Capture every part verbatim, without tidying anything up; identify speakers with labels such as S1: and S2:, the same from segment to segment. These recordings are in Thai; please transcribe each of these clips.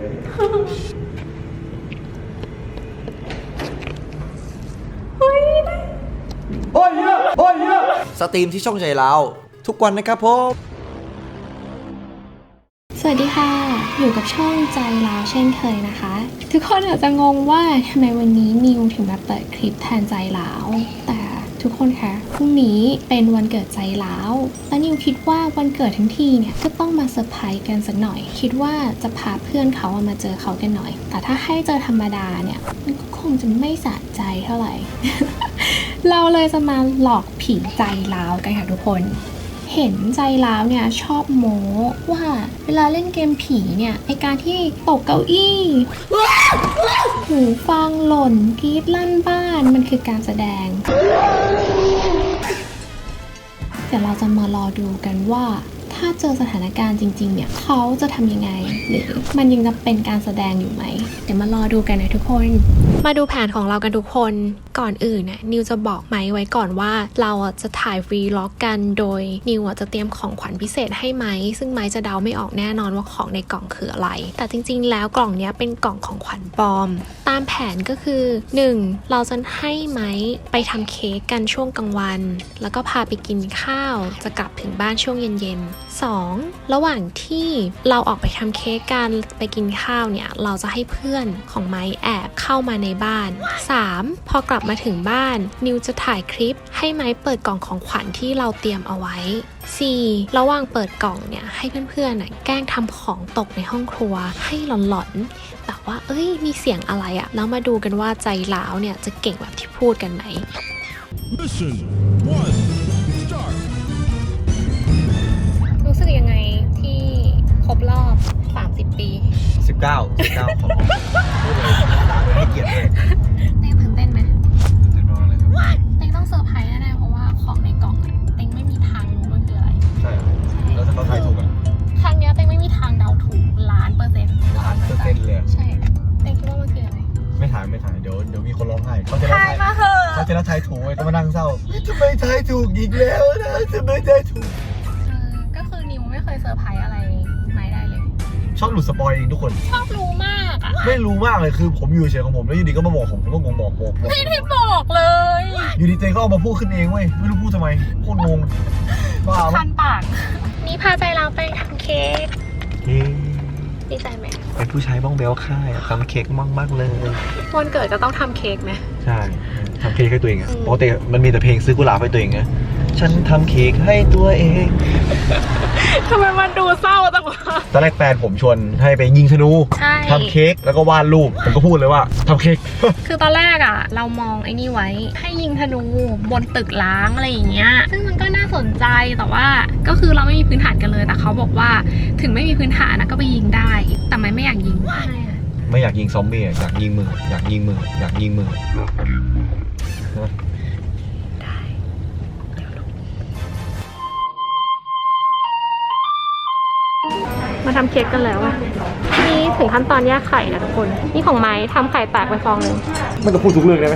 S1: โอ้ยโอ้ยโอ้ย
S2: สตรีมที่ช่องใจเราทุกวันนะครับผม
S3: สวัสดีค่ะอยู่กับช่องใจลาวเช่นเคยนะคะทุกคนอาจจะงงว่าทำไมวันนี้นิวถึงมาเปิดคลิปแทนใจลาวแต่ทุกคนคะพรุ่งนี้เป็นวันเกิดใจลาวและนิวคิดว่าวันเกิดทั้งทีเนี่ยก็ต้องมาเซอร์ไพรส์กันสักหน่อยคิดว่าจะพาเพื่อนเขามาเจอเขากันหน่อยแต่ถ้าให้เจอธรรมดาเนี่ยมันก็คงจะไม่สะใจเท่าไหร่ เราเลยจะมาหลอกผีใจลาวกันค่ะทุกคนเห็นใจลาวเนี่ยชอบโม้ว่าเวลาเล่นเกมผีเนี่ยไอการที่ตกเก้าอี้หูฟังหล่นกรี๊ดลั่นบ้านมันคือการแสดงเดี๋ยวเราจะมารอดูกันว่าถ้าเจอสถานการณ์จริงๆเนี่ยเขาจะทำยังไงหรือมันยังจะเป็นการแสดงอยู่ไหมเดี๋ยวมารอดูกันนะทุกคนมาดูแผนของเรากันทุกคนก่อนอื่นเนี่ยนิวจะบอกไม้ไว้ก่อนว่าเราจะถ่ายฟรีล็อกกันโดยนิวจะเตรียมของขวัญพิเศษให้ไม้ซึ่งไม้จะเดาไม่ออกแน่นอนว่าของในกล่องคืออะไรแต่จริงๆแล้วกล่องนี้เป็นกล่องของขวัญปลอมตามแผนก็คือหนึ่งเราจะให้ไม้ไปทำเค้กกันช่วงกลางวันแล้วก็พาไปกินข้าวจะกลับถึงบ้านช่วงเย็นๆสองระหว่างที่เราออกไปทำเค้กกันไปกินข้าวเนี่ยเราจะให้เพื่อนของไม้แอบเข้ามาในบ้านสามพอกลับมาถึงบ้านนิวจะถ่ายคลิปให้ไม้เปิดกล่องของขวัญที่เราเตรียมเอาไว้สี่ระหว่างเปิดกล่องเนี่ยให้เพื่อนๆน่ะแกล้งทำของตกในห้องครัวให้หลอนๆแต่ว่าเอ้ยมีเสียงอะไรอะแล้วมาดูกันว่าใจร้าวเนี่ยจะเก่งแบบที่พูดกันไหม
S4: Mission one start
S3: รู้สึกยังไงที่ครบรอบสามสิบปี
S2: สิบเก้า สิบเก้าของให้เกียรติเลย
S3: เต้งตื่นเต้นไหม
S2: แน่นอนเลยครับ
S3: เต้งต้องเซอร์ไพรส์แน่ๆเพราะว่าของในกล่องอะเต้งไม่มีทางรู้มันคืออะไร
S2: ใช่แล้วถ้าเขาทายถูกอ่ะ
S3: ครั้งนี้เต้งไม่มีทางเดาถูกล้านเปอร์เซ็นต์
S2: ล้านเปอร์เซ็นต์เลย
S3: ใช่เต้งคิดว่ามันคืออะไร
S2: ไม่ถ่ายไม่ถ่ายเดี๋ยวเดี๋ยวมีคนร้องไห้เขาจะร้อง
S3: ทาย
S2: ไห้
S3: มาเถอะ
S2: เขาจะร้องทายถูกไงก็มานั่งเศร้าทำไมทายถูกอีกแล้วนะทำไมทายถูก
S3: เออก็คือนิวไม่เคยเซอร์ไพรส์อะไรไม่ได้เลย
S2: ชอบหลุดสปอยเองทุกคน
S3: ชอบรู้มากอ่ะ
S2: ไม่รู้มากเลยคือผมอยู่เฉยของผมแล้วอยู่ดีก็มาบอกผมผมก็งงบอกบอกบอก
S3: ไม่ได้บอกเลย
S2: อยู่ดีเจก็เอามาพูดขึ้นเองเว้ยไม่รู้พูดทำไมโคตรงงบ้า
S3: คันปากนี่พาใจเราไปทำเค้กดีใจไหม
S2: เป็นผู้ชายบ้องเบลค่ายทำเค้กมากมากเลย
S3: วันเกิดจะต้องทำเค้กไหม
S2: ใช่ทำเค้กให้ตัวเองอะปกติมันมีแต่เพลงซื้อกุหลาบให้ตัวเองไงฉันทำเค้กให้ตัวเอง
S3: ทำไมมันดูเศร้าจังวะ
S2: ตอนแรกแฟนผมชวนให้ไปยิงธนู
S3: ใช่
S2: ทำเค้กแล้วก็วาดรูปผมก็พูดเลยว่าทำเค้ก
S3: คือตอนแรกอ่ะเรามองไอ้นี่ไว้ให้ยิงธนูบนตึกล้างอะไรอย่างเงี้ยซึ่งมันก็น่าสนใจแต่ว่าก็คือเราไม่มีพื้นฐานกันเลยแต่เขาบอกว่าถึงไม่มีพื้นฐานนะก็ไปยิงได้แต่ไม่ไม่อยากยิง
S2: ไม่อยากยิงซอมบี้อยากยิงมืออยากยิงมืออยากยิงมือ
S3: มาทำเค้กกันแล้วนี่ถึงขั้นตอนแยกไข่นะทุกคนนี่ของไม้ทำไข่แตกไปฟองนึง
S2: มันจะพูดทุกเรื่องได้ไหม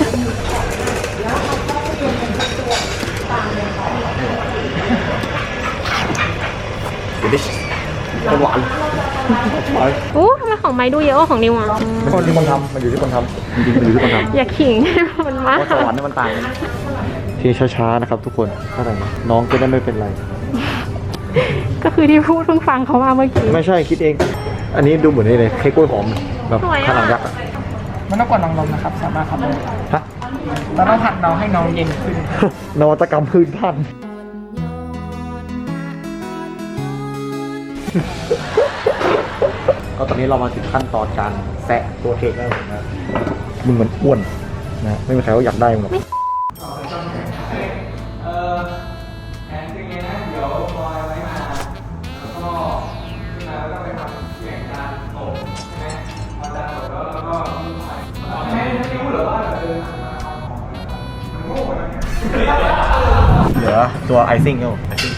S2: หวาน
S3: โอ้ทำไมของไม้ดูเยอะกว่าของนิวอ่ะ
S2: มันคนที่คนทำมันอยู่ที่คนทำจริงๆมันอยู่ที่คนทำ
S3: อย่าขิงมันมาก
S2: เพราะสวรรค์นี่มันต่างกันทีช้าๆนะครับทุกคนเข้าใจน้องจะได้ไม่เป็นไร
S3: ก็คือที่พูดเพิ่งฟังเขามาเมื่อกี้
S2: ไม่ใช่คิดเองอันนี้ดูเหมือนนี่เลยเค้กกล้วยหอมแบบขนาดยักษ์อ่ะ
S1: มันต้องกดน้องลมนะครับสามารถทำได้
S2: ฮะ
S1: เราต้องผัดน้องให้น้องเย็นขึ้น
S2: นวัตกรรมพื้นพันก็ตอนนี้เรามาถึงขั้นตอนการแซะตัวเค้กแล้วนะมึงมันอ้วนนะไม่มีใครเขาอยากได้มึงหรอกเหลือตัวไอซิ่งเออไอซิ่ง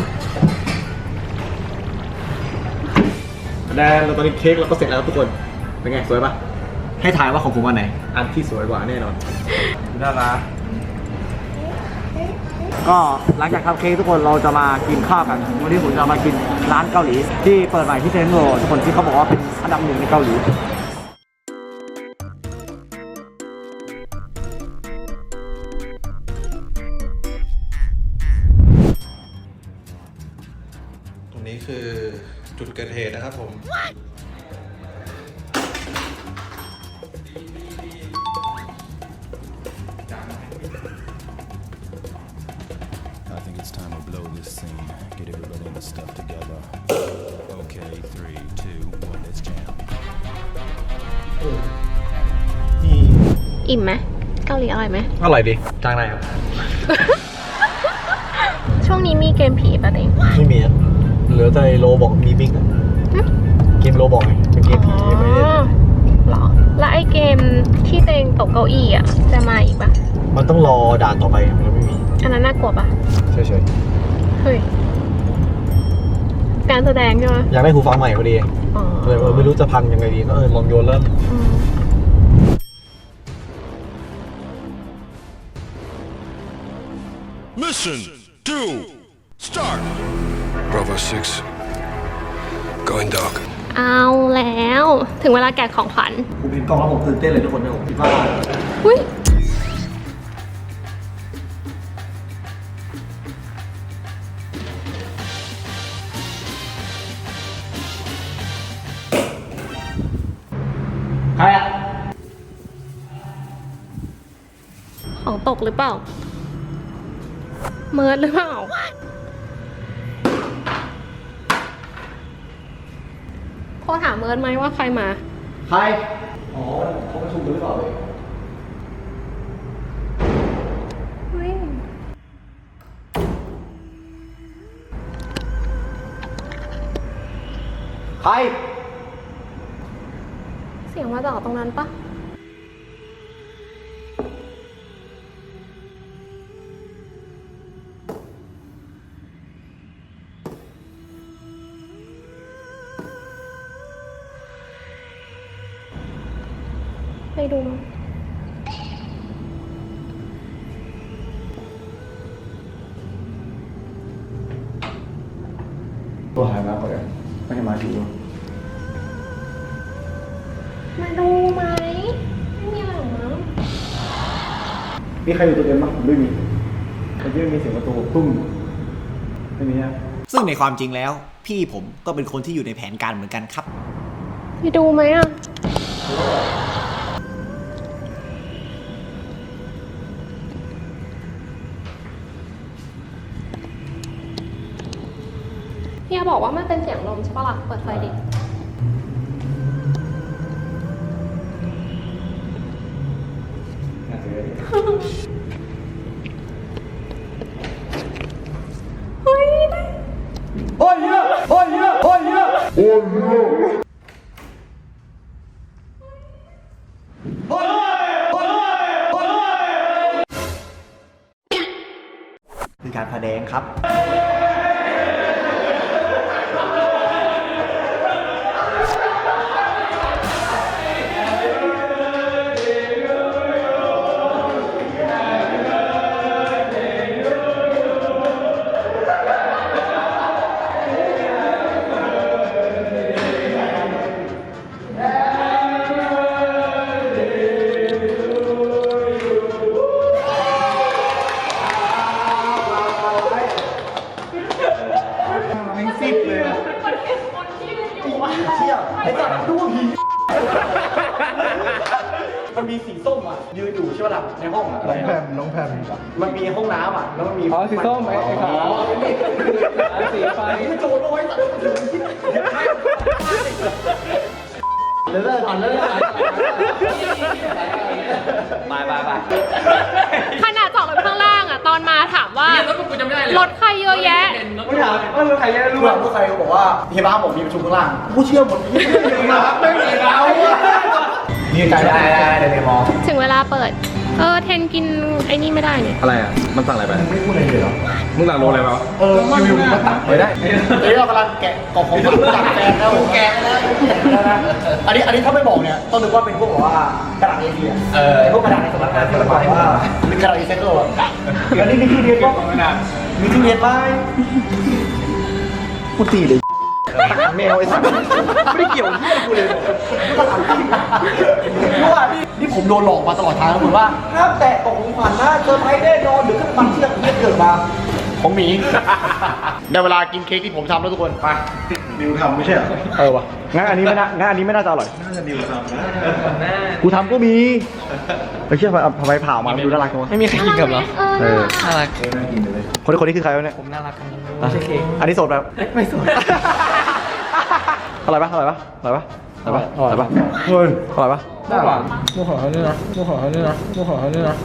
S2: แล้วตอนนี้เค้กเราก็เสร็จแล้วทุกคนเป็นไงสวยปะให้ทายว่าของผมอันไหนอันที่สวยกว่าแน่นอนน่ารักก็หลังจากทำเค้กทุกคนเราจะมากินข้าวกันวันนี้ผมจะมากินร้านเกาหลีที่เปิดใหม่ที่เซนโรทุกคนที่เขาบอกว่าเป็นอันดับหนึ่งในเกาหลี
S5: ตรงนี้คือจุดเกิดเหตุนะครับผม
S4: I think it's time to blow this scene. Get everybody in the stuff together. Okay, three, two, one, let's jam.
S3: อิ่มไหมเกาหลีอร่อยไหม
S2: อร่อยดีจ้างได้ครับ
S3: ช่วงนี้มีเกมผีป่ะเต็ง
S2: ไม่มีอ่ะเหลือแต่โลบอกมีบิ๊กอะเกมโลบอกไงเป็นเกมผียังไม่ได้
S3: หรอ แล้วไอ้เกมที่เต็งตกเก้าอี้อ่ะจะมาอีกปะ
S2: มันต้องรอด่านต่อไปมันไม่มี
S3: อันนั้นน่ากลัวปะ
S2: เฉย
S3: เฮ้ยการแสดงใช่ไหม
S2: ๆอยากได้หูฟังใหม่พอดี
S3: อ๋อ
S2: เลยเออไม่รู้จะพังยังไงดีก็เออลองโยนเริ่ม
S3: อืม
S4: Mission two, start.
S6: Bravo six. Going dark.
S3: เอาแล้ว ถึงเวลาแกะของขวัญ
S2: ผมเห็นกล้องแล้วผมตื่นเต้นเลยทุกคนเนี่ยผมคิดว่า
S3: อุ้ย
S2: ใครอ่ะ
S3: ของตกหรือเปล่า เมิร์ดหรือเปล่า โทรถามเมิร์ดไหมว่าใครมา
S2: ใครอ๋อเขาประชุมหรือเปล่าเลย
S3: เฮ้ย
S2: ใคร
S3: เสียงมาจากตรงนั้นปะไปดูมั้ย
S2: ตัวหายมาก่อนไม่ให้มาถึง
S3: มาดูไหมไม่มีอะไรหรอกมั้ง
S2: มีใครอยู่ตัวเดิมบ้างผมไม่มีแต่ที่มีเสียงประตูตุ้มไม่มีอ่ะ
S7: ซึ่งในความจริงแล้ว พี่ผมก็เป็นคนที่อยู่ในแผนการเหมือนกันครับ
S3: ไปดูไหมอ่ะ เฮียบอกว่ามันเป็นเสียงลมใช่ปะล่ะ เปิดไฟดิ เฮ้ย
S2: โอ้ยเยอะโอ้ยเยอะโอ้ยเยอะโอ้ยเยอะโอ้ยโอ้ยโอ้ยคือการแสดงครับ มันมีสีส้มอ่ะยืนอยู่ใช่ไหมล่ะในห้องอ่ะ
S1: น้องแพมน้องแพม
S2: มันมีห้องน้ำอ่ะแล้วมันมี
S1: อ๋อสีส้มไอ้ไอ้ขาวสีไฟ
S2: มันโจรเอาไว้ตัดเลิกก่อนเลิกก่อนไปไปไป
S3: ขนาดจอดรถข้างล่างอ่ะ ตอนมาถามว่ารถกูจำไม่ได้เลยรถใครเยอะแยะ
S2: ไม่ถามว่ารู้ใครรู้หรอรู้ใครเขาบอกว่าเฮียบ้าผมมีประชุมข้างล่างกูเชื่อหมดที่ไม่มีครับไม่มีเรานี่ใจได้ได้ได้ในมอ
S3: ถึงเวลาเปิดเออเทนกินไอ้นี่ไม่ได้เนี่ย
S1: อะไรอ่ะ มันสั่งอะไรไป
S2: ไม่พูดอะไรเลยเหรอ
S1: มึงสั่งโลอะไรมา
S2: เออรีวิวมันตัดไปได้เฮ้ยเรากำลังแกะกล่องของขวัญจากแฟนแล้วแกะแล้วอันนี้อันนี้ถ้าไม่บอกเนี่ยต้องนึกว่าเป็นพวกแบบว่ากระดาษเอเชียเออพวกกระดาษในสำนักงานที่เราบอกว่าเป็นกระดาษรีไซเคิลอ่ะอันนี้มีทุเรียนก็มีทุเรียนไหมกูตีเลยแมวไอ้สัตว์ไม่ได้เกี่ยวที่อะไรกูเลยนี่ก็ถามจริงรู้ว่านี่นี่ผมโดนหลอกมาตลอดทางแล้วเหมือนว่าห้ามแตะกล่องของขวัญนะเซอร์ไพรส์แน่นอนหรือขึ้นมันเชื่อเกิดมาของหมีในเวลากินเค้กที่ผมทำแล้วทุกคนไป
S1: ดิวทำไม่ใช่เหรอ
S2: เออวะงั้นอันนี้ไม่น่างั้นอันนี้ไม่น่าจะอร่อย
S1: น่าจะดิวทำนะ
S2: กูทำก็มีไปเชื่อไปทำไมเผามาดูน่ารักจังวะ
S1: ไม่มีใครกินกับเหรอ
S2: เออ
S1: น่ารักน่ากินเลย
S2: คนนี้คนนี้คือใครวะเนี่ย
S1: ผมน่ารักกันไม่ใช่เค้ก
S2: อันนี้สดแบบ
S1: ไม่สวย
S2: อร่อยปะอร่อยปะอร่อยปะอร่อยปะอร่อยปะเฮ้ยอร่อยปะ
S1: ได้หวานมูขอเขาด้วยนะมูขอเขาด้วยนะมูขอเขาด้วยนะ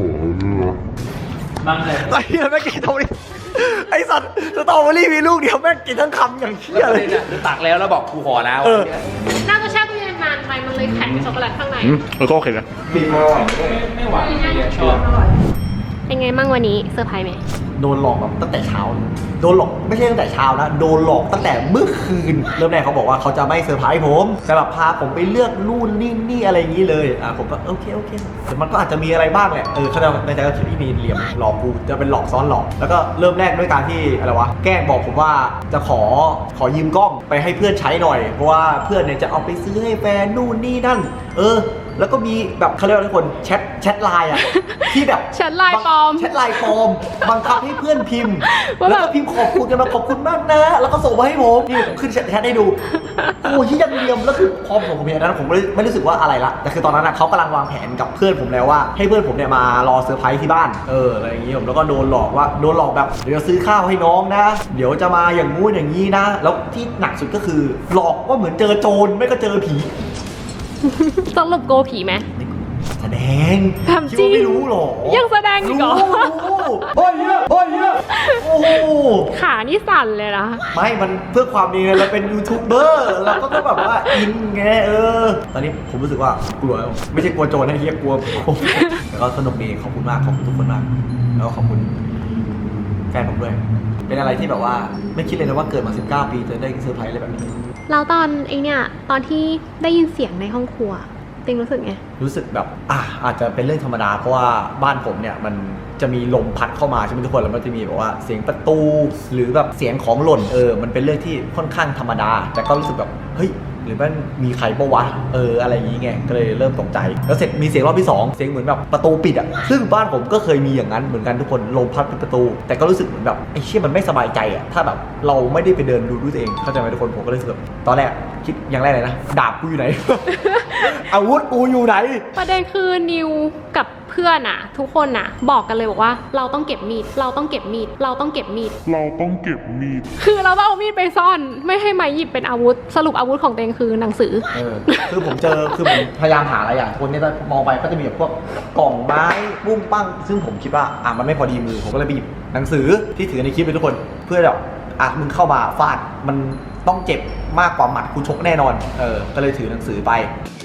S2: ไอ้เหี้ยแม่งกินตรงนี้ไอ้สัตว์สตรอเบอรี่มีลูกเดียวแม่งกินทั้งคำอย่างเชี่ยเลย
S1: คือตักแล้วแล้วบอกกูขอแล้ว
S2: เออ
S3: น่าจะแช่ตู้เย็นนานไปมันเลยแข็งช็อกโกแลตข้างใน
S2: อืมเออก็โอเคนะ
S1: บีบมาหวานไม่หวานชอบ
S3: เป็นไงมั่งวันนี้เซอร์ไพรส์ไหม
S2: โดนหลอกแบบตั้งแต่เช้าเลยโดนหลอกไม่ใช่ตั้งแต่เช้านะโดนหลอกตั้งแต่เมื่อคืนเริ่มแรกเขาบอกว่าเขาจะไม่เซอร์ไพรส์ผมจะแบบพาผมไปเลือกนู่นนี่นี่อะไรอย่างนี้เลยอ่ะผมก็โอเคโอเคแต่มันก็อาจจะมีอะไรบ้างแหละเออเขาจะในใจก็คิดที่มีเหลี่ยมหลอกกูจะเป็นหลอกซ้อนหลอกแล้วก็เริ่มแรกด้วยการที่อะไรวะแกล้งบอกผมว่าจะขอขอยืมกล้องไปให้เพื่อนใช้หน่อยเพราะว่าเพื่อนเนี่ยจะเอาไปซื้อให้แฟนนู่นนี่นั่นเออแล้วก็มีแบบเขาเรียกว่าทุกคนแชทแชทไลน์อ่ะที่แบบ
S3: แชทไลน์ปลอม
S2: แชทไลน์ปลอมบังคับให้เพื่อนพิมพ์
S3: ว่า
S2: แล้ว
S3: แบบ
S2: ก็พิมพ์ขอบคุณกันมาขอบคุณมากนะ แล้วก็ส่งมาให้ผมนี่ผมขึ้นแชทให้ดูโอ้ยยังเรียมแล้วคือพอผมผมเห็นอันนั้นผมไม่ไม่รู้สึกว่าอะไรละแต่คือตอนนั้นนะเขากำลังวางแผนกับเพื่อนผมแล้วว่าให้เพื่อนผมเนี่ยมารอเซอร์ไพรส์ที่บ้านเอออะไรอย่างงี้ผมแล้วก็โดนหลอกว่าโดนหลอกแบบเดี๋ยวจะซื้อข้าวให้น้องนะ เดี๋ยวจะมาอย่างงู้นอย่างนี้นะ แล้วที่หนักสุดก็คือหลอกว่าเหมือนเจอโจรไม่ก็เจอผี
S3: สรุปโกผีไหม
S2: แสดง
S3: ทำจริง
S2: คิดว่าไม่รู้หรอ
S3: ยังแสดงอีกเหรอ
S2: รู้โอ้ยเยอะโอ้ยเยอะโอ้โห
S3: ขานี่สั่นเลยนะ
S2: ไม่มันเพื่อความดีไงเราเป็นยูทูบเบอร์เราก็ต้องแบบว่าอินไงเออ ตอนนี้ผมรู้สึกว่ากลัวไม่ใช่กลัวโจรนะเฮียกลัวผมแต่ก็สนุกดีขอบคุณมากขอบคุณทุกคนมากแล้วก็ขอบคุณแฟนผมด้วย เป็นอะไรที่แบบว่าไม่คิดเลยนะว่าเกิดมาสิบเก้าปีจะได้เซอร์ไพรส์อะไรแบบนี้
S3: แล้วตอนไอเนี่ยตอนที่ได้ยินเสียงในห้องครัวเต็งรู้สึกไง
S2: รู้สึกแบบอ่ะอาจจะเป็นเรื่องธรรมดาเพราะว่าบ้านผมเนี่ยมันจะมีลมพัดเข้ามาใช่ไหมทุกคนแล้วมันจะมีแบบว่าเสียงประตูหรือแบบเสียงของหล่นเออมันเป็นเรื่องที่ค่อนข้างธรรมดาแต่ก็รู้สึกแบบเฮ้ยหรือมันมีใครปะวะเอออะไรอย่างงี้ไงก็เลยเริ่มตกใจแล้วเสร็จมีเสียงรอบที่สองเสียงเหมือนแบบประตูปิดอ่ะซึ่งบ้านผมก็เคยมีอย่างนั้นเหมือนกันทุกคนลมพัดเป็นประตู แต่ก็รู้สึกเหมือนแบบไอ้เชี่ยมันไม่สบายใจอ่ะถ้าแบบเราไม่ได้ไปเดินดูด้วยตัวเองเข้าใจไหมทุกคนผมก็เลยรู้สึกแบบตอนแรกคิดอย่างแรกเลยนะดาบกูอยู่ไหน อาวุธกูอยู่ไหน
S3: ประเด็นคือนิวกับเพื่อนอะทุกคนอะบอกกันเลยบอกว่าเราต้องเก็บมีดเราต้องเก็บมีดเราต้องเก็บมีดเราต้องเก็บมีดคือเราต้องเอามีดไปซ่อนไม่ให้มาหยิบเป็นอาวุธสรุปอาวุธของเตงคือหนังสือ
S2: เออคือผมเจอคือผมพยายามหาอะไรอย่างคนเนี่ยมองไปก็จะมีแบบพวกกล่องไม้บุ้งปั้งซึ่งผมคิดว่าอ่ะมันไม่พอดีมือผมก็เลยไปหยิบหนังสือที่ถือในคลิปไปทุกคนเพื่อแบบอ่ะมึงเข้ามาฟาดมันต้องเจ็บมากกว่าหมัดกูชกแน่นอนเออก็เลยถือหนังสือไป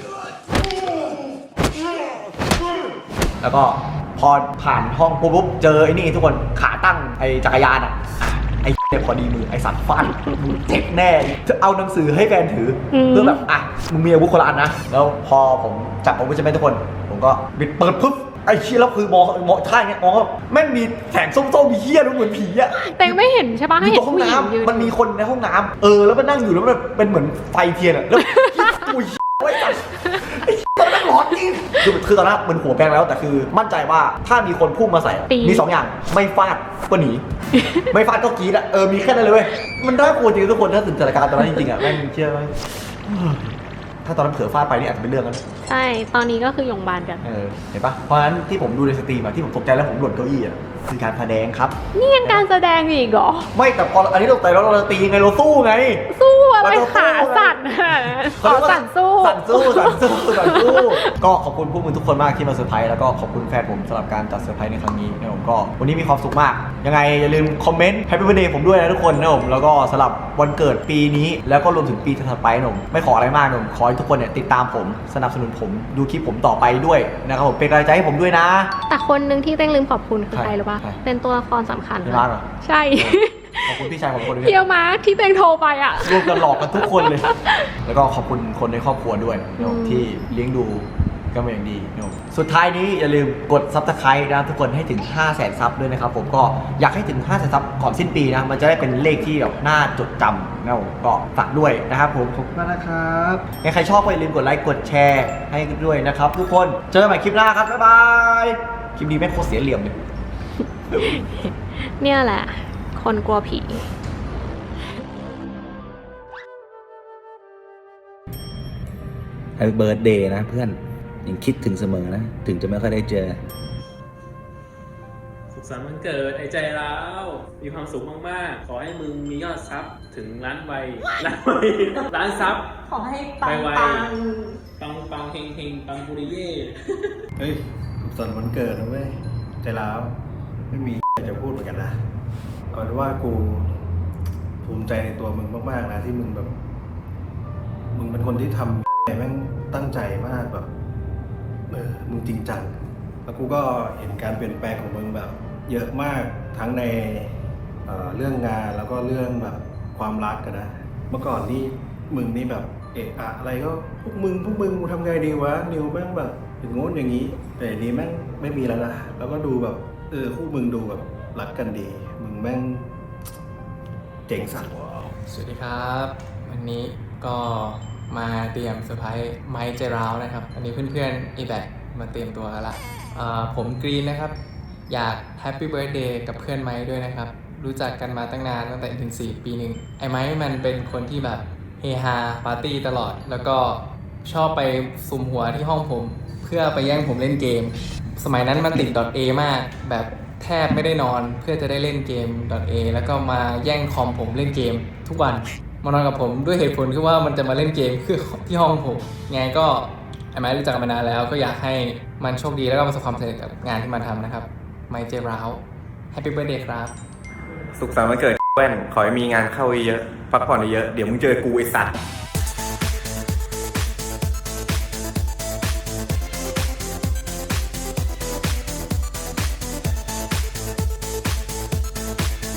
S2: แล้วก็พอผ่านห้องปุ๊บเจอไอ้นี่ทุกคนขาตั้งไอ้จักรยานอ่ะไอ้เนี่ยพอดีมือไอ้สัตว์ฟาดมึงเจ็บแน่จะเอาหนังสือให้แฟนถืออ
S3: ม
S2: เพื่อแบบอ่ะมึงมีอาวุธคนละอันนะแล้วพอผมจับอาวุธใช่ไหมทุกคนผมก็บิดเปิดปุ๊บไอ้เชี่ยแล้วคือมองมองท่าอย่างเงี้ยมองว่าแม่งมีแสงส้มๆมีเหี้ยรู้เหมือนผีอ่ะ
S3: เตงไม่เห็นใช่ปะ
S2: อ
S3: ให้
S2: ยู่ต
S3: เห็
S2: ร
S3: น
S2: งห้อง
S3: ผู้หญิงยืน
S2: น้ำมันมีคนในห้องน้ำเออแล้วมันนั่งอยู่แล้วมันเป็นเหมือนไฟเทียนอ่ะแล้วอุ้ยไอ้สัตว์ไอ้ตอนนั้นร้อนจริงคือคือตอนนั้นมันหัวแปลงแล้วแต่คือมั่นใจว่าถ้ามีคนพุ่งมาใส่มีสองอย่างไม่ฟาดก็หนี ไม่ฟาดก็กรี๊ดอ่ะเออมีแค่นั้นเลยเว้ยมันน่ากลัวจริงทุกคนถ้าถึงสถานการณ์ตอนนั้นจริงๆอ่ะแม่งเชื่อไหมถ้าตอนนั้นเผลอฟาดไปนี่อาจจะเป็นเรื่องนั้น
S3: ใช่ตอนนี้ก็คือโรงพยาบาลกัน
S2: เออเห็นปะเพราะฉะนั้นที่ผมดูในสตรีมอะที่ผมตกใจแล้วผมหล่นเก้าอี้อะคือการแสดงครับ
S3: นี่ยังการแสดงอีกเหรอ
S2: ไม่แต่พออันนี้เราแต่เราเราตีไงเราสู้ไง
S3: สู้อะไร
S2: เราต้องสู้
S3: ขาสั่นขอสั่นสู้
S2: สั่นสู้สั่นสู้สั่นสู้ก็ขอบคุณพวกมึงทุกคนมากที่มาเซอร์ไพรส์แล้วก็ขอบคุณแฟนผมสำหรับการจัดเซอร์ไพรส์ในครั้งนี้นะผมก็วันนี้มีความสุขมากยังไงอย่าลืมคอมเมนต์แฮปปี้เบิร์ธเดย์ผมด้วยนะทุกคนนะผมแล้วก็สำหรับวันเกิดปีนี้แล้วก็รวมถึงปีถัดไปนะผมไม่ขออะไรมากนะผมขอให้ทุกคนเนี่ยติดตามผมสนับสนุนผมดูคลิปผมต่อไปด้วยนะครับผมเป็นกำลังใจให้ผมด้วยนะ
S3: แต่คนหนึ่งที่เต้งลืมขอบคุณคือ
S2: ใคร
S3: ใครรู้ป่ะ
S2: ใคร
S3: เป็นตัวละครสำคัญ
S2: พี่มาร์คเหรอ
S3: ใช่
S2: ขอบคุณพี่ชายผมคนหนึง
S3: เพียวมาร์คที่เต้งโทรไปอ่ะ
S2: รวมกันหลอกกันทุกคนเลย แล้วก็ขอบคุณคนในครอบครัวด้วยนะผมที่เลี้ยงดูก็เป็นอย่างดีนะผมสุดท้ายนี้อย่าลืมกดซับสไครต์นะทุกคนให้ถึง ห้าแสน ซับด้วยนะครับผมก็อยากให้ถึง ห้าแสน ซับก่อนสิ้นปีนะมันจะได้เป็นเลขที่แบบน่าจดจำนะผมก็ฝากด้วยนะครับผมขอบคุณมากนะครับใครชอบก็อย่าลืมกดไลค์กดแชร์ให้ด้วยนะครับทุกคนเจอกันใหม่คลิปหน้าครับบ๊ายบายคลิปนี้แม่งโคตรเสียเหลี่ยมเลย
S3: เนี่ยแหละ คนกลัวผี
S8: แฮปปี้เบิร์ดเดย์นะเพื่อนยังคิดถึงเสมอนะ ถึงจะไม่ค่อยได้เจอ
S9: สุขสันต์วันเกิดไอ้ใจร้าวมีความสุขมากๆ ขอให้มึงมียอดซับถึงล้านใบล้านใบล้านซับ
S10: ขอให้ปัง
S9: ไว
S10: ปัง
S9: ๆปังปังเฮงเฮงปังปุริเย่
S5: เฮ้ยสุขสันต์วันเกิดนะเว้ยใจร้าวไม่มีจะพูดเหมือนกันนะเอาเป็นว่ากูภูมิใจในตัวมึงมากๆนะที่มึงแบบ มึงเป็นคนที่ทำแม่งตั้งใจมากแบบเออมึงจริงจังแล้วกูก็เห็นการเปลี่ยนแปลงของมึงแบบ เยอะมากทั้งในเอ่อเรื่องงานแล้วก็เรื่องแบบความรักกันนะเมื่อก่อนนี่มึงนี่แบบเอะอะอะไรก็พวกมึงพวกมึงกูทำไงดีวะนิวแม่งแบบอย่างงู้นอย่างนี้ แต่อันนี้แม่งไม่มีแล้วนะแล้วก็ดูแบบเออคู่มึงดูแบบรักกันดีมึงแม่งเจ๋งสัตว์
S11: สวัสดีครับ วันนี้ก็มาเตรียมเซอร์ไพรส์ไมค์เจราวนะครับ อันนี้เพื่อนๆอีแบกมาเตรียมตัวกันละอ่าผมกรีนนะครับ อยากแฮปปี้เบิร์ดเดย์กับเพื่อนไมค์ด้วยนะครับ รู้จักกันมาตั้งนานตั้งแต่ถึงสี่ปีหนึ่งไอ้ไมค์มันเป็นคนที่แบบเฮฮาปาร์ตี้ตลอด แล้วก็ชอบไปซุ่มหัวที่ห้องผม เพื่อไปแย่งผมเล่นเกม สมัยนั้นมันติด .a มากแบบแทบไม่ได้นอนเพื่อจะได้เล่นเกม .a แล้วก็มาแย่งคอมผมเล่นเกมทุกวันมานอนกับผมด้วยเหตุผลคือว่ามันจะมาเล่นเกมคือที่ห้องผมไงก็ไอ้ไม้รู้จักกันมานานแล้วก็อยากให้มันโชคดีแล้วก็ประสบความสำเร็จกับงานที่มันทำนะครับไมค์เจราวแฮปปี้เบิร์ดเดย์ครับ
S12: สุขสันต์วันเกิดแว่นขอให้มีงานเข้าเยอะๆพักผ่อนเยอะๆเดี๋ยวมึงเจอกูไอ้สัตว์